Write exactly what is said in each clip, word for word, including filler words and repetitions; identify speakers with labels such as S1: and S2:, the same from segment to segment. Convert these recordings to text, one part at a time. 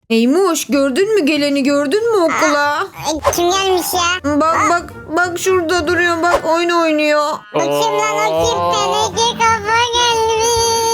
S1: Eymuş, gördün mü geleni, gördün mü okula?
S2: Ay, kim gelmiş ya?
S1: Bak bak bak şurada duruyor, bak oyun oynuyor.
S2: O kim lan o kim? Teneke kafa gelmiş.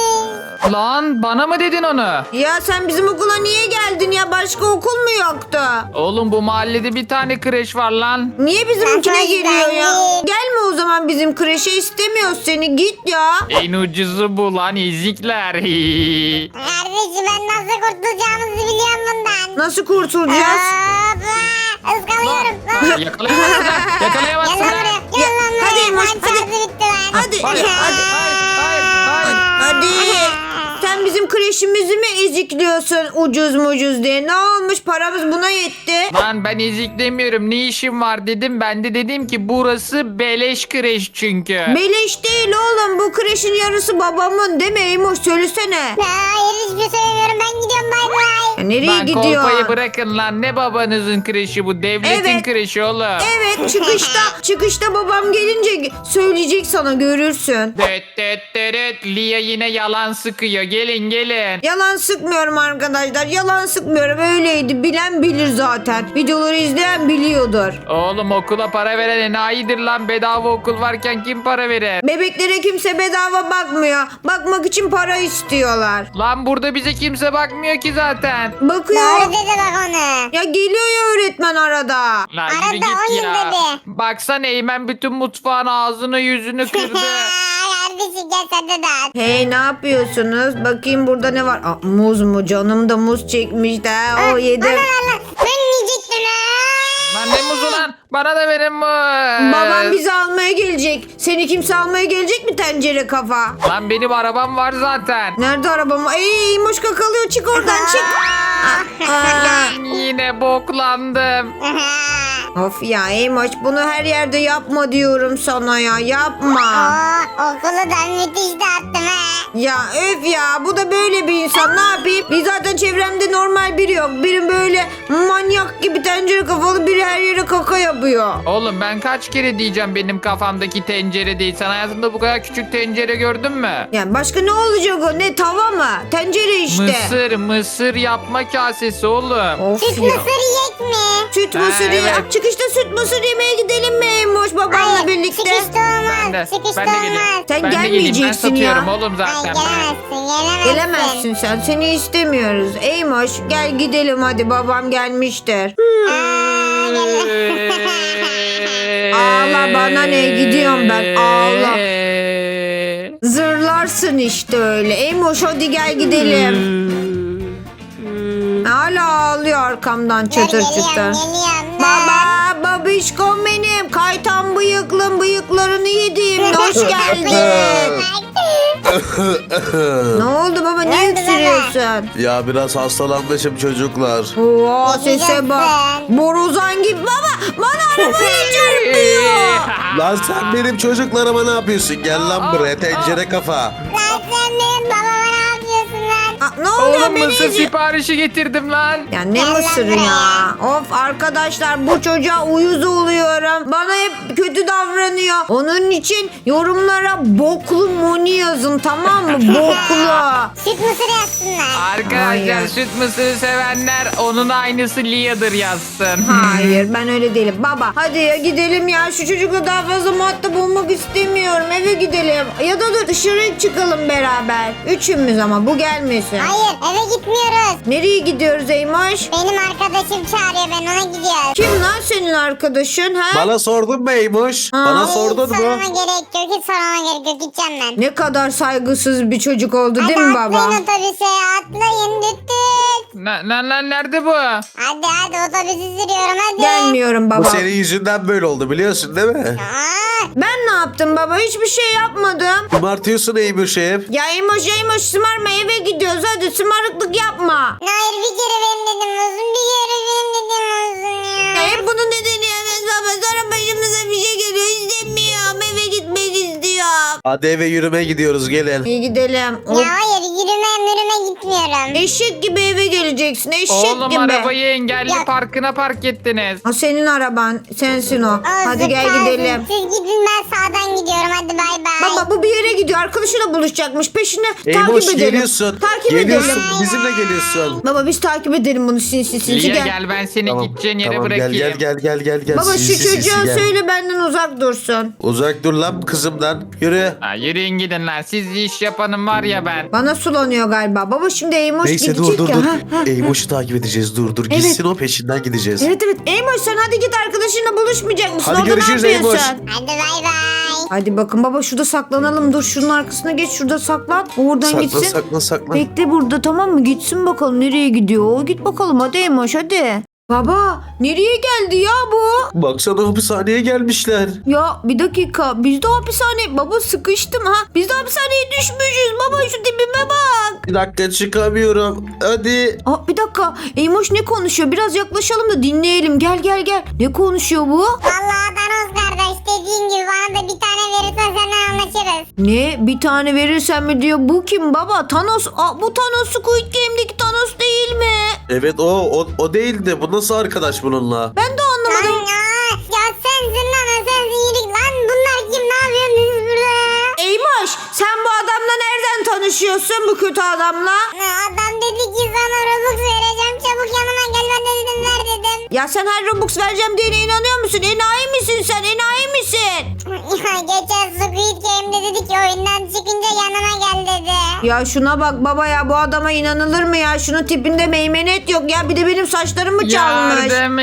S3: Lan bana mı dedin onu?
S1: Ya sen bizim okula niye geldin ya? Başka okul mu yoktu?
S3: Oğlum bu mahallede bir tane kreş var lan.
S1: Niye bizimkine
S2: Ben
S1: geliyor ya?
S2: geldim.
S1: Gelme o zaman bizim kreşe, istemiyoruz seni, git ya.
S3: En ucuzu bu lan ezikler.
S2: Kardeşim ben nasıl kurtulacağımızı biliyorum bundan.
S1: Nasıl kurtulacağız?
S2: Hoppa. Iskalıyorum.
S3: Yakalayamazsın.
S2: Gel
S3: Yakalayamazsın.
S2: lan buraya. Gel lan buraya.
S1: hadi Emoş,
S2: Lan
S1: hadi.
S2: şarjı bitti lan.
S1: Hadi,
S3: Hayır,
S1: hadi.
S3: hayır, hayır, hayır.
S1: Hadi. Sen bizim kreşimizi mi ezikliyorsun ucuz mucuz diye? Ne olmuş, paramız buna yetti.
S3: Lan ben eziklemiyorum. Ne işim var dedim. Ben de dedim ki burası beleş kreş çünkü.
S1: Beleş değil oğlum, bu kreşin yarısı babamın değil mi Eymoş, söylesene.
S2: Hayır hiçbir şey söylemiyorum. Ben gidiyorum bay bay.
S1: Ya nereye
S3: Lan kolpayı
S1: gidiyor?
S3: bırakın lan. Ne babanızın kreşi bu? Devletin
S1: Evet.
S3: kreşi oğlum.
S1: Evet, çıkışta çıkışta babam gelince söyleyecek sana, görürsün.
S3: Düt düt düt. Lia yine yalan sıkıyor. Gelin gelin.
S1: Yalan sıkmıyorum arkadaşlar, yalan sıkmıyorum, öyleydi, bilen bilir zaten. Videoları izleyen biliyordur.
S3: Oğlum okula para veren enayidir lan. Bedava okul varken kim para verir?
S1: Bebeklere kimse bedava bakmıyor. Bakmak için para istiyorlar.
S3: Lan burada bize kimse bakmıyor ki zaten.
S1: Bakıyor.
S2: Doğru dedi bak onu.
S1: Ya geliyor ya öğretmen arada.
S3: Lan
S2: Arada
S3: yürü git
S2: on yıl
S3: ya.
S2: dedi.
S3: Baksana Eymen bütün mutfağın ağzını yüzünü kırdı.
S2: Kardeşim gel sen de dağıt.
S1: Hey, ne yapıyorsunuz? Bakayım burada ne var? Aa, muz mu? Canım da muz çekmiş de. O yedim.
S2: Allah Allah. Ben yiyecektim ha.
S3: Lan ne muzu lan? Bana da verin muz.
S1: Babam bizi almaya gelecek. Seni kimse almaya gelecek mi, tencere kafa?
S3: Lan benim arabam var zaten.
S1: Nerede arabam? Ey, Moşka kalıyor, çık oradan, çık. Aa, aa.
S3: Yine boklandım.
S1: Of ya Eymoş, bunu her yerde yapma diyorum sana ya, yapma.
S2: Oo, okulu da müthiş dağıttım ha.
S1: Ya öf ya, bu da böyle bir insan, ne yapayım? Bir zaten çevremde normal biri yok. Biri böyle manyak gibi tencere kafalı, biri her yere kaka yapıyor.
S3: Oğlum ben kaç kere diyeceğim benim kafamdaki tencere değil. Sen hayatında bu kadar küçük tencere gördün mü?
S1: Yani başka ne olacak o? Ne, tava mı? Tencere işte.
S3: Mısır, mısır yapma kasesi oğlum.
S1: Of
S2: Süt
S1: ya.
S2: mısır yiyecek mi?
S1: Süt
S3: Ha,
S1: mısır ye-
S3: evet.
S1: Çıkışta süt mısır yemeye gidelim mi Eymoş babamla
S2: Hayır
S1: birlikte?
S2: sıkıştı olmaz.
S3: Ben de,
S2: Sıkıştı
S3: ben de geleyim.
S2: olmaz.
S1: Sen
S3: ben de geleyim. Ben
S1: gelmeyeceksin ya.
S3: satıyorum oğlum
S2: Ay
S3: zaten.
S2: gelemezsin gelemezsin.
S1: Gelemezsin sen. Seni istemiyoruz. Eymoş gel gidelim hadi, babam gelmiştir.
S2: Aa, gel.
S1: Ağla, bana ne, gidiyorum ben, ağla. Zırlarsın işte öyle. Eymoş hadi gel gidelim. Hala ağlıyor arkamdan
S2: Dur,
S1: çatır
S2: geliyorum,
S1: çatır.
S2: geliyorum.
S1: Baba, babişkom benim. Kaytan bıyıklım, bıyıklarını yediğim. Hoş geldin. Ne oldu baba, ne
S2: Ne oldu
S1: öksürüyorsun?
S4: Ya biraz hastalanmışım çocuklar.
S1: Oo, sese bak.
S2: Geçeceksin.
S1: Borazan gibi. Baba, bana arabayı çarpıyor.
S4: Lan sen benim çocuklarıma ne yapıyorsun? Gel lan buraya tencere kafa.
S2: Lan sen benim babama ne yapıyorsun lan?
S1: Aa, ne oluyor,
S3: Oğlum
S1: beni
S3: mısır
S1: izi-
S3: siparişi getirdim lan.
S1: Ya ne
S2: Gel lan
S1: mısırı
S2: buraya.
S1: ya? Of arkadaşlar, bu çocuğa uyuz oluyorum. Bana hep kötü davranıyor. Onun için yorumlara boklu moni yazın, tamam mı? Boklu.
S2: Süt mısır yazsınlar.
S3: Arkadaşlar
S1: Hayır.
S3: süt mısırı sevenler onun aynısı Lia'dır yazsın.
S1: Hayır, ben öyle değilim. Baba hadi ya gidelim ya. Şu çocukla daha fazla muhatap olmak istemiyorum. Eve gidelim. Ya da dur, dışarı çıkalım beraber. Üçümüz ama bu gelmesin.
S2: Hayır eve gitmiyoruz.
S1: Nereye gidiyoruz Eymoş?
S2: Benim arkadaşım çağırıyor ben ona gidiyoruz.
S1: Kim lan senin arkadaşın ha?
S4: Bana sordun mu Eymuş?
S1: Ha.
S4: Bana
S2: Hiç
S4: sordun mu?
S2: sormama gerek yok hiç sormama gerek yok gideceğim ben.
S1: Ne kadar saygısız bir çocuk oldu değil
S2: Hadi
S1: mi baba?
S2: atlayın otobüse atlayın düt düt.
S3: Lan lan lan nerede bu?
S2: Hadi hadi otobüsü sürüyorum hadi.
S1: Gelmiyorum
S4: Bu
S1: baba.
S4: senin yüzünden böyle oldu biliyorsun değil mi?
S2: Aa,
S1: Ben ne yaptım baba? Hiçbir şey yapmadım.
S4: Kumartıyorsun Eymuş hep.
S1: Ya Eymoş Eymoş sımarma, eve gidiyoruz, hadi sımarıklık yapma.
S2: hayır bir kere benim dedim olsun bir kere benim dedim olsun
S1: Ya
S2: ya.
S1: hep bunun nedeni ya baba, sonra başımıza bir şey geliyor, istemiyorum, eve gitmek istiyorum.
S4: Hadi eve yürüme gidiyoruz gelin.
S1: İyi gidelim. Hop.
S2: Ya hayır yürüme yürüme gitmiyorum.
S1: Eşek gibi eve geleceksin. Eşek
S3: Oğlum
S1: gibi.
S3: arabayı engelli
S2: Ya-
S3: parkına park ettiniz.
S1: Ha, senin araban. Sensin o. Hadi
S2: Olsun,
S1: gel
S2: kalsın.
S1: gidelim.
S2: Siz gidin, ben sağdan gidiyorum. Hadi bay bay.
S1: Baba bu bir yere gidiyor. Arkadaşıyla buluşacakmış. Peşine
S4: Eymoş
S1: takip edelim.
S4: geliyorsun.
S1: Takip
S4: Geliyorsun.
S1: edelim.
S4: Bizimle geliyorsun.
S1: Baba biz takip edelim bunu sinsi sinsi
S3: Lia
S1: gel.
S3: gel ben seni
S4: Tamam,
S3: gideceğin yere
S4: tamam,
S3: bırakayım.
S4: Gel gel gel gel gel.
S1: Baba
S4: Sinsi
S1: şu
S4: sinsi
S1: çocuğa
S4: gel.
S1: söyle benden uzak dursun.
S4: Uzak dur lan kızımdan. Yürü.
S3: Ha, yürüyün gidin lan. Siz iş yapanım var ya ben.
S1: Bana sulanıyor galiba. Baba şimdi Eymoş
S4: Neyse
S1: gidecek
S4: dur dur
S1: ya.
S4: dur.
S1: Ha, ha.
S4: Eymoş'u takip edeceğiz. Dur dur. Gitsin o peşinden gideceğiz.
S1: Evet evet. Eymoş sen hadi git arkadaşınla buluşmayacak mısın?
S4: Hadi
S1: Orada
S4: görüşürüz
S1: ne yapıyorsun?
S4: Eymoş.
S2: Hadi bay bay.
S1: Hadi bakın baba şurada saklanalım. Dur şunun arkasına geç. Şurada saklan. Oradan
S4: Sakla
S1: gitsin.
S4: sakla sakla.
S1: Bekle burada tamam mı? Gitsin bakalım nereye gidiyor. Git bakalım hadi Eymoş hadi. Baba nereye geldi ya bu?
S4: Baksana hapishaneye gelmişler.
S1: Ya bir dakika biz de hapishane baba sıkıştım ha. Biz de hapishaneye düşmüşüz baba şu tipime bak.
S4: Bir dakika çıkamıyorum. Hadi.
S1: Aa, bir dakika Eymoş ne konuşuyor? Biraz yaklaşalım da dinleyelim. Gel gel gel. Ne konuşuyor bu?
S2: Vallahi Thanos kardeş, dediğin gibi bana da bir tane verirsen seninle anlaşırız.
S1: Ne? Bir tane verirsen mi diyor. Bu kim baba? Thanos. Aa, bu Thanos Squid Game'deki Thanos değil mi?
S4: Evet o o, o değildi. Bu nasıl arkadaş bununla?
S1: Ben de
S2: Lan
S1: anlamadım.
S2: ya, ya sensin lan, sensin iyilik lan. Bunlar kim, ne yapıyorsunuz burada?
S1: Eymoş sen bu adamla nereden tanışıyorsun bu kötü adamla?
S2: Ne, adam dedi ki sana Robux vereceğim, çabuk yanıma gel, ben de dedim ver dedim.
S1: Ya sen her Robux vereceğim diyene inanıyor musun? Enayi misin sen? Enayi misin?
S2: Ya geçen Squid Game'de dedi ki oyundan çıkınca yanıma gel dedi.
S1: Ya şuna bak baba ya bu adama inanılır mı ya? Şunun tipinde meymenet yok ya. Bir de benim saçlarımı çalmış.
S3: Yardım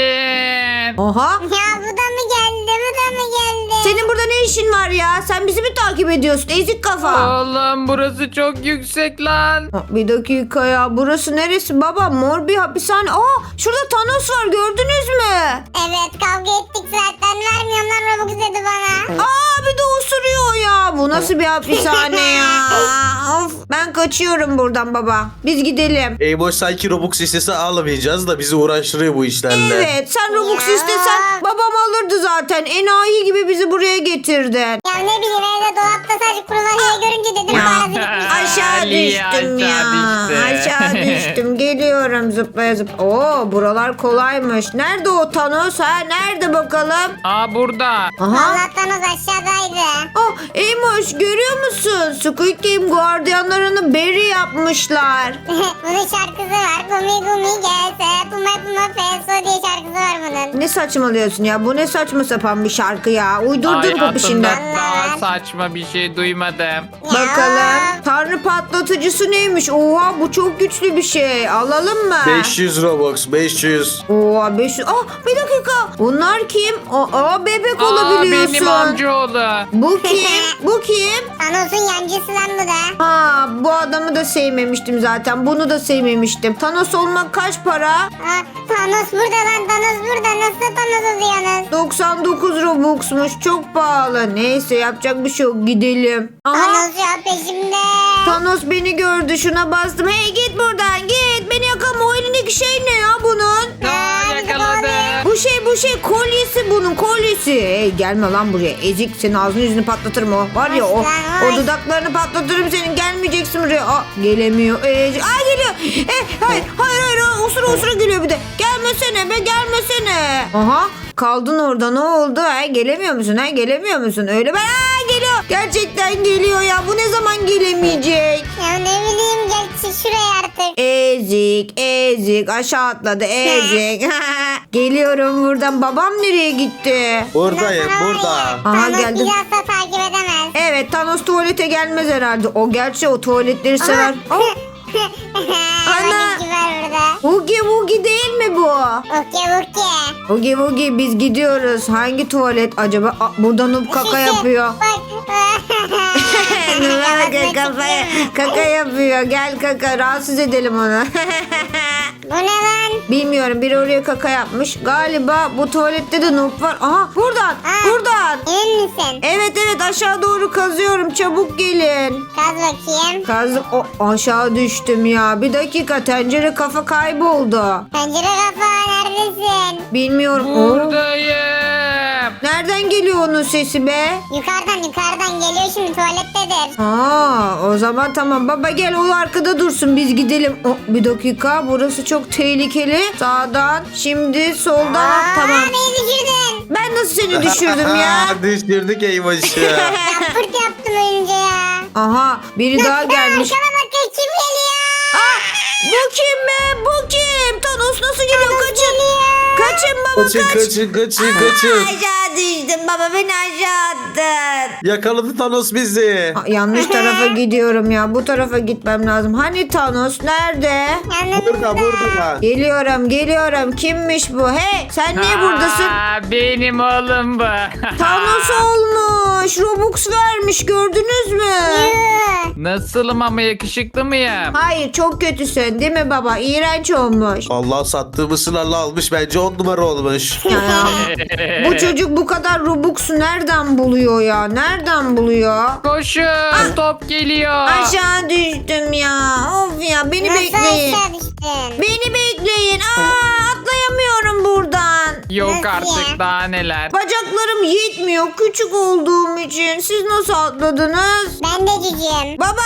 S3: edin.
S1: Oha.
S2: Ya bu da mı geldi, bu da mı geldi?
S1: Senin burada ne işin var ya? Sen bizi mi takip ediyorsun? Ezik kafa.
S3: Oğlum burası çok yüksek lan.
S1: Ha, bir dakika ya. Burası neresi baba? Mor bir hapishane. Aa şurada Thanos var gördünüz mü?
S2: Evet, kavga ettik zaten, vermiyorum lan Robux dedi bana.
S1: Aa bir de osuruyor ya. Bu nasıl bir hapishane ya? Of. Ben kaçıyorum buradan baba. Biz gidelim.
S4: Eymoş sanki Robux istese alamayacağız da bizi uğraştırıyor bu işlerle.
S1: Evet sen Robux
S2: Ya.
S1: istesen babam alırdı zaten. Enayi gibi bizi buraya getirdin.
S2: Ya ne bileyim, evde dolapta sadece kruvaziye görünce dedim
S1: Ya.
S2: parası bitmiş.
S1: Aşağı
S3: Lia
S1: düştüm ya.
S3: aşağı düştü.
S1: Aşağı düştüm. Geliyorum zıplaya zıplaya. Oo buralar kolaymış. Nerede o Thanos ha? Nerede bakalım?
S3: Aa burada.
S1: Aha.
S2: Allah'tan o aşağıdaydı.
S1: Ah Eymoş görüyor musun? Squid Game gardiyanlarını Barry yapmışlar.
S2: Bunun şarkısı var. Gumi gumi gelse puma puma feso diye şarkısı var bunun.
S1: Ne saçmalıyorsun ya? Bu ne saçma sapan bir şarkı ya. Uydurdun popişinden.
S3: Hayatımda daha saçma bir şey duymadım.
S1: Bakalım. Tanrı patlatıcısı neymiş? Oha bu çok güçlü bir şey. Alalım mı?
S4: beş yüz Robux beş yüz.
S1: Oha beş yüz. Ah bir dakika. Bunlar kim? Aa bebek
S3: Aa
S1: olabiliyorsun.
S3: benim amcaoğlu.
S1: Bu kim? Bu kim?
S2: Thanos'un yancısı lan bu da.
S1: Ha bu adamı da sevmemiştim zaten. Bunu da sevmemiştim. Thanos olmak kaç para?
S2: Ha, Thanos burada lan, Thanos burada. Nasıl Thanos oluyorsunuz?
S1: doksan dokuz Robux'muş. Çok pahalı. Neyse yapacak bir şey yok. Gidelim. Aha.
S2: Thanos ya peşimde.
S1: Thanos beni gördü. Şuna bastım. Hey git buradan git. Beni yakalama. O elindeki şey ne ya bunun?
S3: Aa, yakaladı.
S1: Bu şey bu şey kolyesi bunun kolyesi. Hey gelme lan buraya. Ezik senin ağzını yüzünü patlatırım o. Var ya o,
S2: Aslan,
S1: o
S2: ay.
S1: dudaklarını patlatırım senin. Gelmeyeceksin buraya. Aa, gelemiyor. Ezik. Aa geliyor. Eh, hayır hayır hayır. Usura usura geliyor bir de. Gelmesene be gelmesene. Aha. Kaldın orada ne oldu? Ha, gelemiyor musun? Ha, gelemiyor musun? Öyle ben aa, geliyor. Gerçekten geliyor ya. Bu ne zaman gelemeyecek?
S2: Ya ne bileyim, gel çık şuraya artık.
S1: Ezik, ezik. Aşağı atladı, ezik. Geliyorum buradan. Babam nereye gitti?
S4: Buradayım
S2: Bundan sonra
S4: burada.
S2: var ya,
S1: Aha,
S2: Thanos
S1: geldim.
S2: bizi asla takip edemez.
S1: Evet, Thanos tuvalete gelmez herhalde. O gerçi o tuvaletleri sever. Oh, Ana.
S2: Ana. var burada.
S1: Hugi Wugi değil mi bu?
S2: Okey okey.
S1: Hugi Wugi biz gidiyoruz. Hangi tuvalet acaba? Aa, burada Noob kaka yapıyor.
S2: Bak.
S1: Noob kaka, kaka, kaka yapıyor. Gel kaka rahatsız edelim onu.
S2: Bu ne lan?
S1: Bilmiyorum biri oraya kaka yapmış. Galiba bu tuvalette de Noob var. Aha buradan
S2: Aa.
S1: buradan.
S2: Emin misin?
S1: Evet evet aşağı doğru kazıyorum. Çabuk gelin.
S2: Kaz bakayım.
S1: Kazdım. O, aşağı düştüm ya. Bir dakika tencere kafa kayboldu.
S2: Pencere kafa neredesin?
S1: Bilmiyorum. Oo,
S3: Buradayım.
S1: nerede Nereden geliyor onun sesi be?
S2: Yukarıdan yukarıdan geliyor şimdi tuvalettedir.
S1: Aa, o zaman tamam baba gel o arkada dursun biz gidelim. Oh, bir dakika burası çok tehlikeli. Sağdan şimdi soldan
S2: Aa,
S1: tamam.
S2: beni düşürdün.
S1: Ben nasıl seni düşürdüm ya?
S4: Düşürdük eyvahı.
S2: Yapırt yaptım önce ya.
S1: Aha biri daha gelmiş.
S2: Arkama bak kim geliyor?
S1: Aa, bu kim be? Bu kim? Thanos nasıl geliyor? Kaçın.
S2: Geliyor.
S1: Kaçın baba
S4: Kaçın
S1: kaç.
S4: kaçın kaçın kaçın.
S1: Aşağı düştüm baba beni aşağı attın.
S4: Yakaladı Thanos bizi.
S1: Aa, yanlış tarafa gidiyorum ya. Bu tarafa gitmem lazım. Hani Thanos nerede?
S4: Burada burada.
S1: Geliyorum geliyorum. Kimmiş bu? Hey sen niye buradasın?
S3: Aa, benim oğlum bu.
S1: Thanos olmuş. Robux vermiş gördünüz mü?
S3: Nasılım ama yakışıklı mıyım?
S1: Hayır çok kötüsün değil mi baba? İğrenç olmuş.
S4: Allah sattığımız sınırla almış. Bence on numara olmuş.
S1: Ya, bu çocuk bu kadar Robux'u nereden buluyor ya? Nereden buluyor?
S3: Koşun top geliyor.
S1: Aşağı düştüm ya. Of ya beni
S2: Nasıl
S1: bekleyin.
S2: aşağı düştün?
S1: Beni bekleyin. Aa, atlayamıyorum buradan.
S3: Yok
S2: Nasıl
S3: artık
S2: ya?
S3: daha neler.
S1: Bacaklarım yetmiyor küçük olduğum için. Siz nasıl atladınız?
S2: Ben de cücüğüm.
S1: Baba.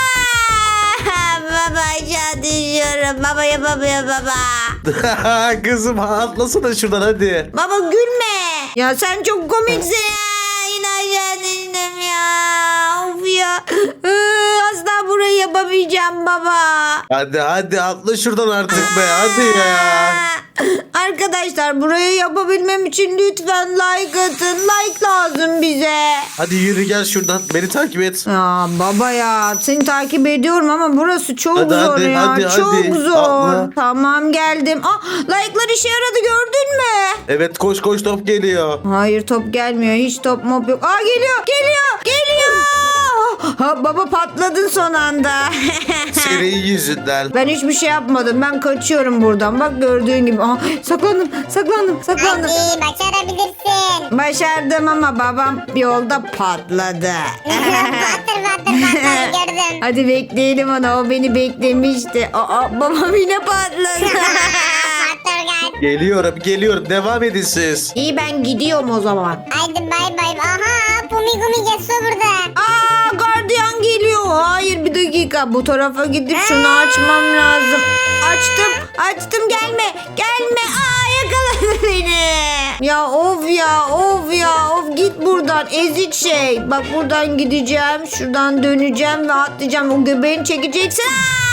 S1: Aa, baba aşağı düşüyorum. Baba yapamıyor baba.
S4: Kızım atlasana şuradan hadi.
S1: Baba gülme. Ya sen çok komiksin ya. Yine aşağı düştüm ya. Of ya. Iı, Asla burayı yapamayacağım baba.
S4: Hadi hadi atla şuradan artık be hadi ya.
S1: Arkadaşlar burayı yapabilmem için lütfen like atın. Like lazım bize.
S4: Hadi yürü gel şuradan beni takip et.
S1: Ya baba ya seni takip ediyorum ama burası çok
S4: Hadi,
S1: zor
S4: hadi,
S1: ya.
S4: hadi,
S1: çok
S4: hadi.
S1: zor.
S4: Atla.
S1: Tamam geldim. Ah like'lar işe yaradı gördün mü?
S4: Evet koş koş top geliyor.
S1: Hayır top gelmiyor. Hiç top mop yok. Aa geliyor geliyor geliyor. Ha, baba patladın son anda.
S4: Senin yüzünden.
S1: Ben hiçbir şey yapmadım. Ben kaçıyorum buradan. Bak gördüğün gibi. Aha, saklandım, saklandım, saklandım.
S2: Hadi başarabilirsin.
S1: Başardım ama babam yolda patladı.
S2: Batır batır batır gördüm.
S1: Hadi bekleyelim onu. O beni beklemişti. Aa, babam yine patladı.
S2: Batır gel.
S4: Geliyorum geliyorum devam edin siz.
S1: İyi ben gidiyorum o zaman.
S2: Haydi bay bay. Aha Pumi Gumi Getso burada.
S1: Aa gardiyan geliyor. Hayır bir dakika. Bu tarafa gidip şunu açmam lazım. Açtım. Açtım gelme. Gelme. Aa yakaladı beni. Ya of ya of ya of git buradan ezik şey. Bak buradan gideceğim. Şuradan döneceğim ve atlayacağım. O göbeğini çekeceksin.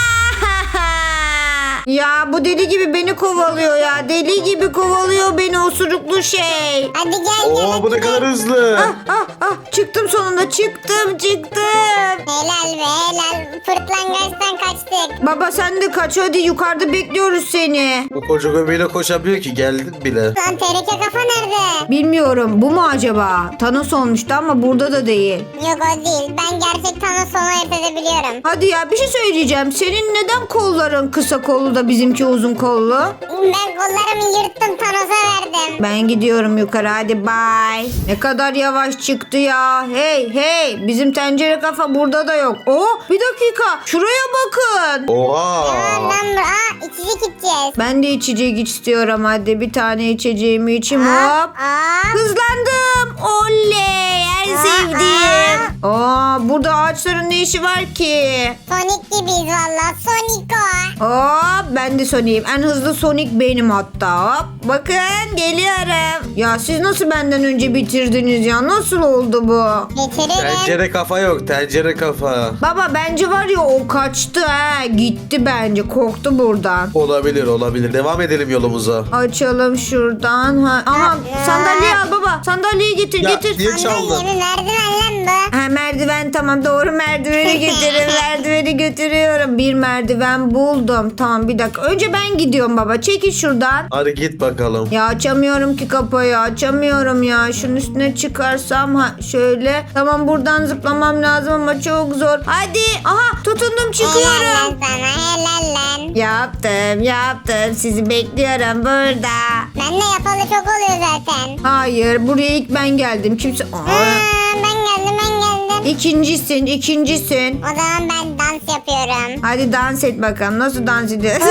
S1: Ya bu deli gibi beni kovalıyor ya. Deli gibi kovalıyor beni osuruklu şey.
S2: Hadi gel gel.
S4: Oo bu ne kadar hızlı.
S1: Ah ah ah çıktım sonunda çıktım çıktım.
S2: Helal be helal. Fırtlangaçtan kaçtık.
S1: Baba sen de kaç hadi yukarıda bekliyoruz seni.
S4: Bu koca göbeğiyle koşamıyor ki geldin bile.
S2: Lan tereke kafa nerede?
S1: Bilmiyorum bu mu acaba? Thanos olmuştu ama burada da değil.
S2: Yok o değil. Ben gerçek Thanos sonu ayırt edebiliyorum.
S1: Hadi ya bir şey söyleyeceğim. Senin neden kolların kısa kollu da bizimki uzun kollu?
S2: Ben kollarımı yırttım Thanos'a verdim.
S1: Ben gidiyorum yukarı hadi bye. Ne kadar yavaş çıktı ya. Hey hey bizim tencere kafa burada da yok. Oh bir dakika şuraya bakın.
S4: Oha.
S2: Tamam lan dur. Aa içecek içeceğiz.
S1: Ben de içecek istiyorum hadi bir tane içeceğimi içeyim
S2: Aa,
S1: hop.
S2: aa.
S1: Hızlandım. Oley en
S2: Aa,
S1: sevdiğim. Aa burada ağaçların ne işi var ki?
S2: Sonic gibiyiz valla. Sonic o.
S1: Hop ben de Sonic'im. En hızlı Sonic benim hatta. Hop bakın geliyorum. Ya siz nasıl benden önce bitirdiniz ya? Nasıl oldu bu?
S2: Getiririm.
S4: Tencere kafa yok tencere kafa.
S1: Baba bence var ya o kaçtı ha. Gitti bence. Korktu buradan.
S4: Olabilir olabilir. Devam edelim yolumuza.
S1: Açalım şuradan. Ha. Aha sandalye al baba. Sandalyeyi getir
S4: Ya,
S1: getir.
S4: niye çaldın?
S2: Sandalyemi merdiven lan bu.
S1: Ha, merdiven tamam doğru merdiveni getirin. Merdiveni götürüyorum. Bir merdiven buldum. Tamam bir dakika. Önce ben gidiyorum baba. Çekil şuradan.
S4: Hadi git bakalım.
S1: Ya açamıyorum ki kapıyı. Açamıyorum ya. Şunun üstüne çıkarsam ha şöyle. Tamam buradan zıplamam lazım ama çok zor. Hadi. Aha tutundum
S2: Helal
S1: çıkıyorum.
S2: lan sana helal lan.
S1: Yaptım yaptım. Sizi bekliyorum burada.
S2: Ben de yapalı çok oluyor zaten.
S1: Hayır buraya ilk ben geldim. Kimse... Aa,
S2: Aa, ben geldim ben geldim.
S1: ikincisin ikincisin.
S2: O zaman ben dans yapıyorum.
S1: Hadi dans et bakalım. Nasıl dans ediyorsun?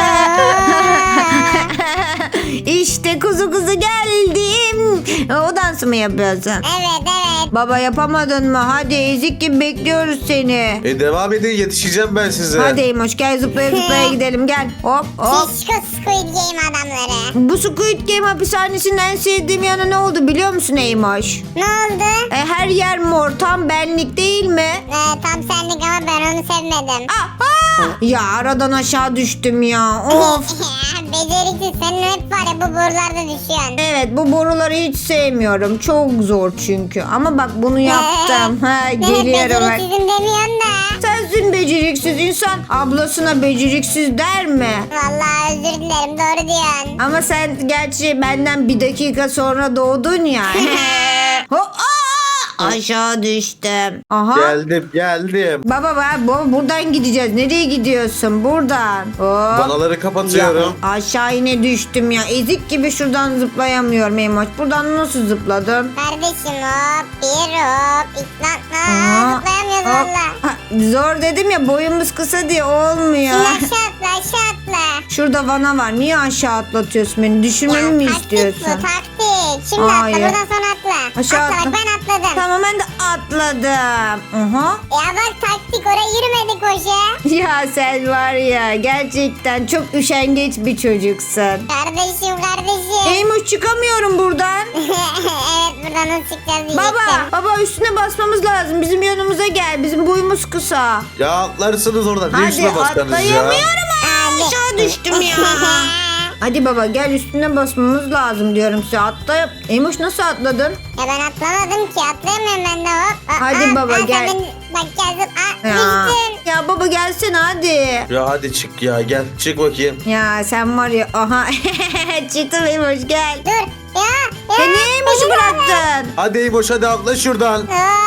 S1: İşte kuzu kuzu geldim. O dans dansı mı yapıyorsun?
S2: Evet evet.
S1: Baba yapamadın mı? Hadi ezik gibi bekliyoruz seni.
S4: E devam edin yetişeceğim ben size.
S1: Hadi Eymoş gel zıplaya zıplaya gidelim gel. Hop hop.
S2: Şişko Squid Game adamları.
S1: Bu Squid Game hapishanesinin en sevdiğim yanı ne oldu biliyor musun Eymoş?
S2: Ne oldu?
S1: E, her yer mor tam benlik değil mi?
S2: Ee, tam senlik ama ben onu sevmedim.
S1: Ah, ah! Ya aradan aşağı düştüm ya. Of.
S2: Beceriksiz, senin hep var ya bu borularda düşüyorsun.
S1: Evet bu boruları hiç sevmiyorum. Çok zor çünkü. Ama bak bunu yaptım. Ha,
S2: Evet,
S1: geliyorum bak.
S2: beceriksizim demiyorsun da.
S1: Sensin beceriksiz insan. Ablasına beceriksiz der mi?
S2: Vallahi özür dilerim, doğru diyorsun.
S1: Ama sen gerçi benden bir dakika sonra doğdun ya. Ho- Aa! Aşağı düştüm. Aha.
S4: Geldim geldim.
S1: Baba baba baba buradan gideceğiz. Nereye gidiyorsun? Buradan. Hop.
S4: Vanaları kapatıyorum.
S1: Ya, aşağı yine düştüm ya. Ezik gibi şuradan zıplayamıyorum Emoç. Buradan nasıl zıpladım?
S2: Kardeşim hop, bir hop, iki lan.
S1: Aa,
S2: Aa, zıplayamıyoruz
S1: hop.
S2: valla.
S1: Ha, zor dedim ya boyumuz kısa diye olmuyor.
S2: Şimdi aşağı atla, aşağı atla.
S1: Şurada vana var. Niye aşağı atlatıyorsun beni? Düşürmemi mi
S2: taktik
S1: istiyorsun?
S2: bu, taktik. Şimdi
S1: Hayır.
S2: atla, buradan sonra atla.
S1: Aşağı
S2: atla,
S1: atla.
S2: bak ben atladım.
S1: Tamam ben de atladım. Aha.
S2: Ya bak taktik, oraya yürümedik hoca.
S1: Ya sen var ya gerçekten çok üşengeç bir çocuksun.
S2: Kardeşim, kardeşim.
S1: Eymuş çıkamıyorum buradan.
S2: Evet, buradan nasıl çıkacağız diyecektim.
S1: Baba, baba üstüne basmamız lazım. Bizim yanımıza gel. Bizim boyumuz kısa.
S4: Ya atlarsınız oradan. Niye
S1: Hadi
S4: üstüne baskarsınız ya?
S1: atlayamıyorum.
S2: Hadi.
S1: Aşağı düştüm ya. Hadi baba gel üstüne basmamız lazım diyorum size. Atla. Eymuş nasıl atladın?
S2: Ya ben atlamadım ki, atlayamıyorum ben de hop. Aa,
S1: Hadi
S2: aa,
S1: baba,
S2: aa, sen
S1: gel.
S2: beni- Bak gel zıp. Aa,
S1: Ya,
S2: düştüm.
S1: ya baba gelsene hadi.
S4: Ya hadi çık ya gel çık bakayım.
S1: Ya sen var ya aha çıktım Eymuş gel.
S2: Dur. Ya. Ya.
S1: Ya niye Eymuş'u
S2: beni de al.
S1: bıraktın?
S4: Hadi Eymoş hadi atla şuradan.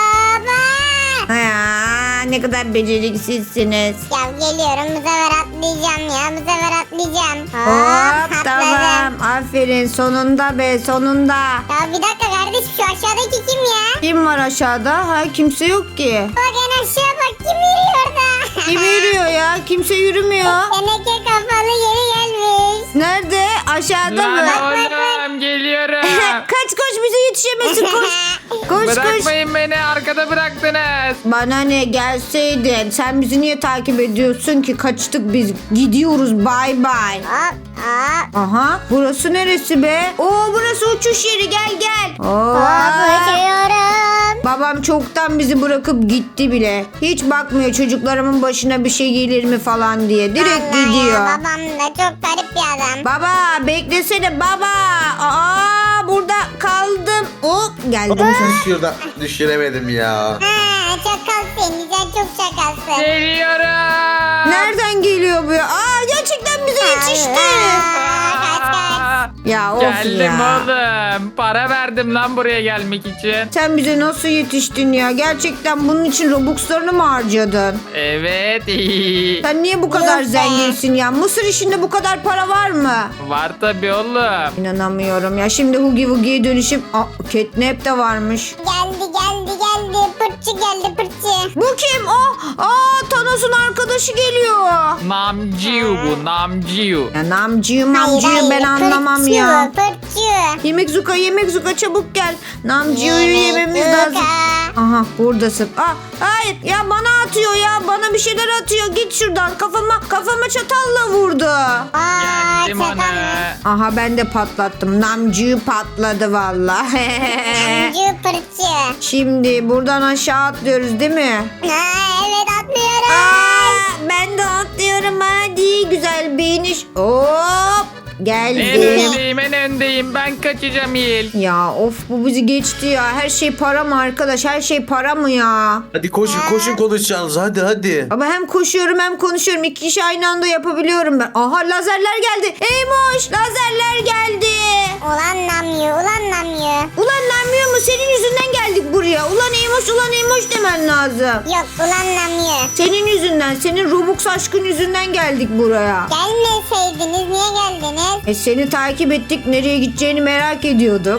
S2: Baba.
S1: Ya ne kadar beceriksizsiniz.
S2: Ya geliyorum, bu sefer atlayacağım ya. Bu sefer atlayacağım. Hop,
S1: Hop
S2: atladım.
S1: tamam aferin sonunda be sonunda.
S2: Ya bir dakika kardeş, şu aşağıdaki kim ya?
S1: Kim var aşağıda? Ha kimse yok ki.
S2: Bak en aşağı bak, kim yürüyor orada?
S1: Kim yürüyor ya? Kimse yürümüyor.
S2: Teneke kafalı yeri gelmiş.
S1: Nerede? Aşağıda
S3: Lan
S1: mı?
S3: oğlum geliyorum.
S1: Kaç koş bize yetişemezsin koş. Koş koş.
S3: Bırakmayın beni, arkada bıraktınız.
S1: Bana ne gelseydin. Sen bizi niye takip ediyorsun ki? Kaçtık biz. Gidiyoruz bay bay.
S2: Hop hop.
S1: Aha burası neresi be? Oo burası uçuş yeri gel gel. Oo.
S2: Hop uçuyorum.
S1: Babam çoktan bizi bırakıp gitti bile. Hiç bakmıyor çocuklarımın başına bir şey gelir mi falan diye. Direkt
S2: Vallahi
S1: gidiyor.
S2: Ya, babam da çok garip bir adam.
S1: Baba beklesene baba. Aa burada kaldım. Hop geldim.
S4: Şurada düşüremedim ya.
S2: Ha, çakal seni, sen çok çakalsın.
S3: Geliyorum.
S1: Nereden geliyor bu ya? Aa gerçekten bize yetişti.
S2: Aa, kaç kaç.
S1: Ya of
S3: Geldim
S1: ya.
S3: oğlum. Para verdim lan buraya gelmek için.
S1: Sen bize nasıl yetiştin ya? Gerçekten bunun için Robux'larını mı harcadın?
S3: Evet.
S1: Sen niye bu kadar
S2: Yok be.
S1: zenginsin ya? Mısır işinde bu kadar para var mı?
S3: Var tabii oğlum.
S1: İnanamıyorum ya. Şimdi Hugi Wugi'ye dönüşüp... Aa, Catnap de varmış.
S2: Geldi geldi geldi. Pırtçı geldi pırtçı.
S1: Bu kim? Aa, aa Thanos'un arkadaşı geliyor.
S3: Namciu bu, Namciu.
S1: Ya namcıyım
S2: Hayır,
S1: namcıyım
S2: hayır,
S1: ben anlamam
S2: pırtçı
S1: ya.
S2: bu, Pırtçı.
S1: Yemek Zuka yemek Zuka çabuk gel. Namcıyı
S2: Yemek
S1: yememiz
S2: Zuka.
S1: lazım. Aha buradasın. Aa, hayır ya bana atıyor ya. Bana bir şeyler atıyor. Git şuradan. Kafama kafama çatalla vurdu.
S2: Aa,
S3: Geldim
S2: çatal.
S3: ona.
S1: Aha ben de patlattım. Namcıyı patladı valla.
S2: Namcı pırtçı.
S1: Şimdi buradan aşağı atlıyoruz değil mi?
S2: Ha, evet atlıyorum.
S1: Aa, ben de atlıyorum hadi. Güzel bir iniş. Hop.
S3: En
S1: Geldim.
S3: öndeyim, en öndeyim. Ben kaçacağım il.
S1: Ya of bu bizi geçti ya. Her şey para mı arkadaş? Her şey para mı ya?
S4: Hadi koşun koşun konuşacağız hadi hadi.
S1: Ama hem koşuyorum hem konuşuyorum. İki işi aynı anda yapabiliyorum ben. Aha lazerler geldi. Eymoş lazerler geldi.
S2: Ulan namyo, ulan namyo.
S1: Ulan lanmıyor mu? Senin yüzünden geldik buraya. Ulan Eymoş ulan Eymoş demen lazım.
S2: Yok ulan namyo.
S1: Senin yüzünden, senin Robux aşkın yüzünden geldik buraya.
S2: Gelmeseydiniz niye geldiniz?
S1: E seni takip ettik. Nereye gideceğini merak ediyorduk.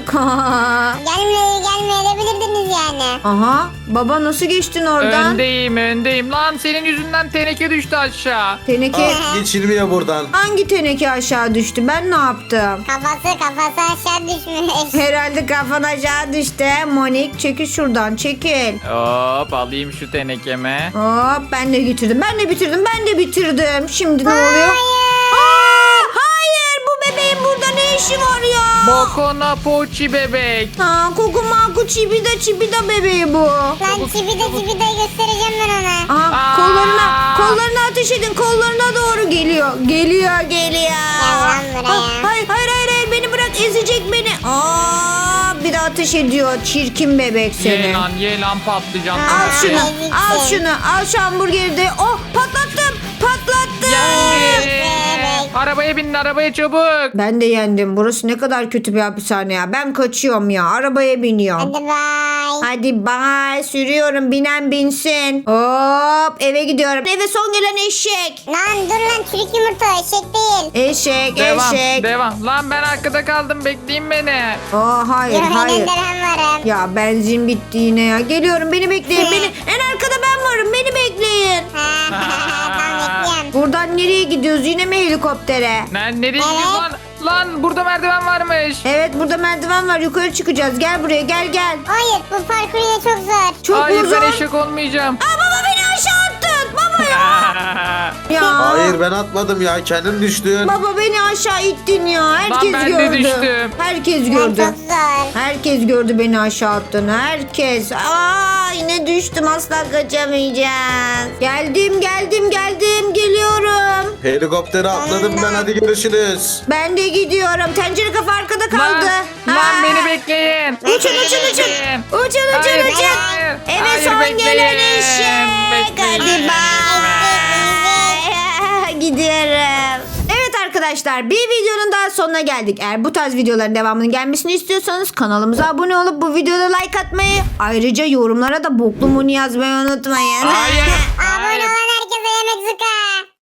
S2: Gelmeye gelmeyebilirdiniz yani.
S1: Aha. Baba nasıl geçtin oradan?
S3: Öndeyim öndeyim. Lan senin yüzünden teneke düştü aşağı.
S1: Teneke.
S4: Ah, geçilmiyor buradan.
S1: Hangi teneke aşağı düştü? Ben ne yaptım?
S2: Kafası kafası aşağı düşmüş.
S1: Herhalde kafan aşağı düştü. Monik çekil şuradan çekil.
S3: Hop alayım şu tenekeme.
S1: Hop ben de getirdim. Ben de bitirdim. Ben de bitirdim. Şimdi ne oluyor?
S2: Hayır.
S1: Aa, hayır bu bebeğin burada ne işi var ya?
S3: Bokona poçi bebek.
S1: Ha, Kukumaku Çibida Çibida bebeği bu.
S2: Lan çibide çibide göstereceğim ben ona.
S1: Aha,
S3: Aa!
S1: kollarına kollarına ateş edin. Kollarına doğru geliyor. Geliyor geliyor.
S2: Gel lan buraya.
S1: Ah, hayır hayır hayır hayır beni bırak ezecek beni. Aa, bir de ateş ediyor. Çirkin bebek seni.
S3: Ye lan ye lan patlıcan.
S1: Al şunu.
S2: Eziksin.
S1: Al şunu. Al şu hamburgeri de. Oh patlattım. Patlattım.
S3: Geldim.
S2: bebek.
S3: Arabaya binin arabaya çabuk.
S1: Ben de yendim. Burası ne kadar kötü bir hapishane ya. Ben kaçıyorum ya. Arabaya biniyorum.
S2: Hadi bay.
S1: Hadi bye. Sürüyorum. Binen binsin. Hop eve gidiyorum. Eve son gelen eşek.
S2: Lan dur lan çürük yumurta eşek değil.
S1: Eşek
S3: Devam
S1: eşek.
S3: devam. Lan ben arkada kaldım bekleyin beni.
S1: Aa, hayır
S2: Yürü
S1: hayır.
S2: önünde ben varım.
S1: Ya benzin bitti yine ya. Geliyorum beni bekleyin. Beni en arkada ben varım. Beni bekleyin.
S2: Tamam bekliyorum.
S1: Buradan nereye gidiyoruz? Yine mi helikoptere?
S3: Lan nereye gidiyorsun lan? Lan burada merdiven varmış.
S1: Evet burada merdiven var. Yukarı çıkacağız. Gel buraya gel gel.
S2: Hayır bu parkur yine çok zor.
S1: Çok
S3: Hayır
S1: uzun.
S3: ben eşek olmayacağım.
S1: Aa, baba beni aşağı attın. Baba ya. ya.
S4: Hayır ben atmadım ya. Kendin düştün.
S1: Baba beni aşağı ittin ya. Herkes
S3: ben de
S1: gördü.
S3: düştüm.
S1: Herkes
S2: Lan
S1: gördü.
S2: çok zor.
S1: Herkes gördü beni aşağı attığını. Herkes. Aa yine düştüm. Asla kaçamayacağız. Geldim geldim geldim. Geliyorum.
S4: Helikoptere atladım ben. Hadi görüşürüz.
S1: Ben de gidiyorum. Tencere kafa arkada kaldı.
S3: Lan, lan
S1: Aa.
S3: beni bekleyin.
S1: Uçun uçun uçun. Uçun uçun
S3: Hayır,
S1: uçun.
S3: hayır.
S1: Eve
S3: Hayır,
S1: son
S3: bekleyin.
S1: gelen eşek.
S3: Bekleyin.
S1: Hadi bye. Gidiyorum. Evet arkadaşlar bir videonun daha sonuna geldik. Eğer bu tarz videoların devamının gelmesini istiyorsanız kanalımıza abone olup bu videoda like atmayı ayrıca yorumlara da boklu muni yazmayı unutmayın.
S3: Hayır.
S2: Abone
S3: Hayır.
S2: olan herkese yemek zuka.